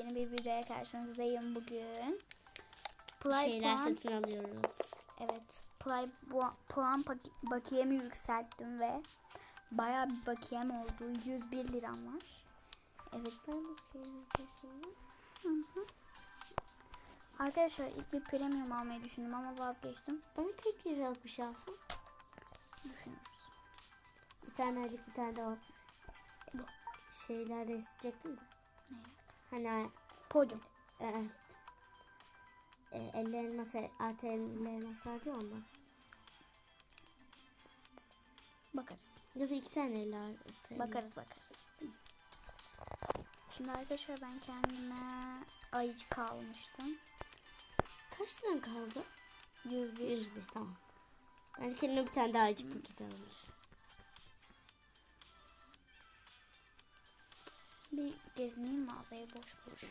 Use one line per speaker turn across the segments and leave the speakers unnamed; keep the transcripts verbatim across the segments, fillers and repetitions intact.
Yepyeni bir videoya karşınızdayım bugün.
Bir şeyler puan, satın alıyoruz.
Evet. Play puan bakiyemi yükselttim ve bayağı bir bakiyem oldu. yüz bir liram var. Evet.
Ben de bir şey yapacaksın.
Hı hı. Arkadaşlar ilk bir premium almayı düşündüm ama vazgeçtim.
Bana kırk liralık bir şey alsın.
Düşünürüz.
Bir tane acık bir tane de o bu şeyler de isteyecektim mi?
Ne?
Hani
Podyum.
Evet. E, elli elmas artı elli elmas var diyor ondan.
Bakarız.
Ya da iki tane elli artı.
Bakarız bakarız. Şimdi arkadaşlar ben kendime ayıcık almıştım.
Kaç liran kaldı?
yüz bir.
yüz bir tamam. Ben kendime bir tane daha ayıcık paketi alacağız.
Bir gezineyim mağazayı boş boş.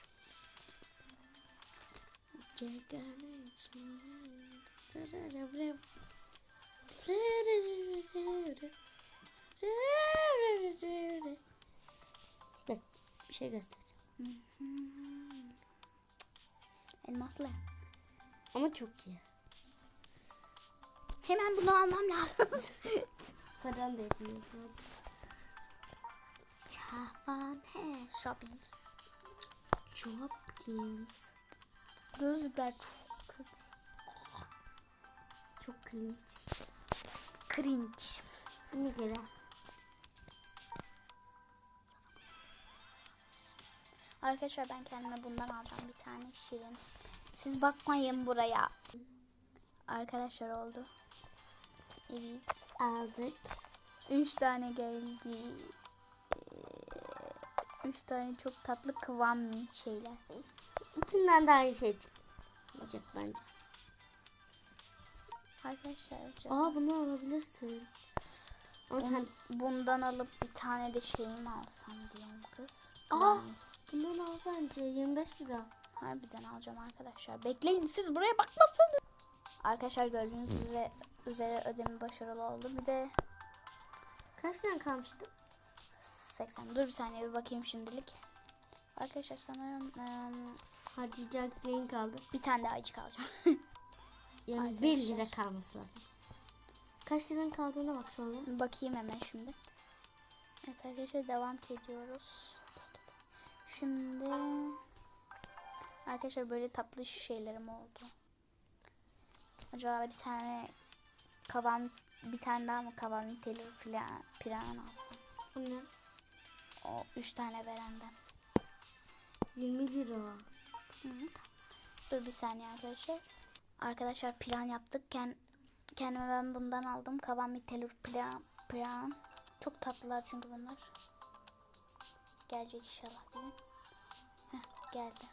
Bak bir şey göstereceğim.
Elmaslı.
Ama çok iyi.
Hemen bunu almam lazım.
Paran da yapıyorsun.
Çavan he shopping.
Jobkins.
Gözlükler çok
çok cringe.
Cringe.
Ne göre?
Arkadaşlar ben kendime bundan alacağım bir tane şirin. Siz bakmayın buraya. Arkadaşlar oldu. Evet.
Aldık.
Üç tane geldi. Üç tane çok tatlı kıvamlı şeyler.
Bütünden de aynı şey olacak bence.
Arkadaşlar.
Aa bunu alabilirsin. Ama
Bun,
sen
bundan alıp bir tane de şeyimi alsam diyorum kız.
Aa bundan al bence yirmi beş lira.
Harbiden alacağım arkadaşlar. Bekleyin siz buraya bakmasın. Arkadaşlar gördüğünüz üzere, üzere ödeme başarılı oldu. Bir de
kaç tane kalmıştı?
seksen. Dur bir saniye bir bakayım şimdilik. Arkadaşlar sanırım um,
harcayacak neyin kaldı?
Bir tane daha ayıcık alacağım.
Yani bir lira kalması lazım. Kaç liranın kaldığına bak sonra.
Bakayım hemen şimdi. Evet arkadaşlar devam ediyoruz. Şimdi arkadaşlar böyle tatlı şeylerim oldu. Acaba bir tane kavan bir tane daha mı kavan telur filan piran alsam?
Bu ne?
O üç tane verenden.
yirmi lira.
Hı -hı. Dur bir saniye arkadaşlar. Arkadaşlar plan yaptık. Kend, kendime ben bundan aldım. Kavan bir telur plan, plan. Çok tatlılar çünkü bunlar. Gelecek inşallah bugün. Heh, geldi.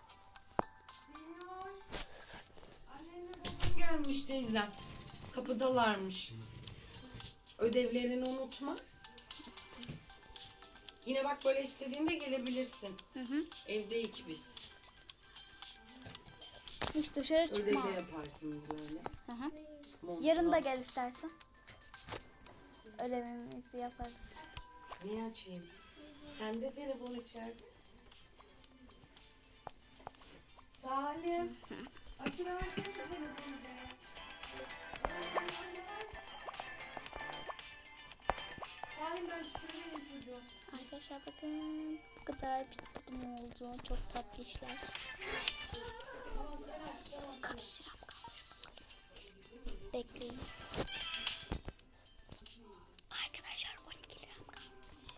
Gelmiş teyzem. Kapıdalarmış. Ödevlerini unutma. Yine bak böyle istediğinde gelebilirsin.
Hı hı.
Evdeyiz biz.
Hiç dışarı çıkmaz.
Ödev de yaparsınız öyle.
Hı hı.
Montla.
Yarın da gel istersen. Ödevimizi yaparız.
Niye açayım? Sende telefon içeride. Salim. Açıversene telefonu be. Salim ben çıkarıyorum çocuğu.
Arkadaşlar bakın bu kadar bittim oldu. Çok tatlı işler. Kaç liram kalmış? Bekleyin. Arkadaşlar on iki liram kalmış.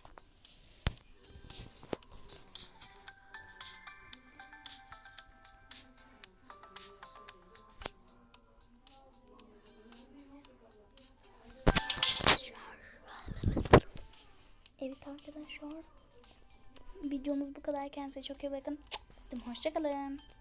Evet arkadaşlar. Videomuz bu kadar. Kendinize çok iyi bakın. Hoşça kalın.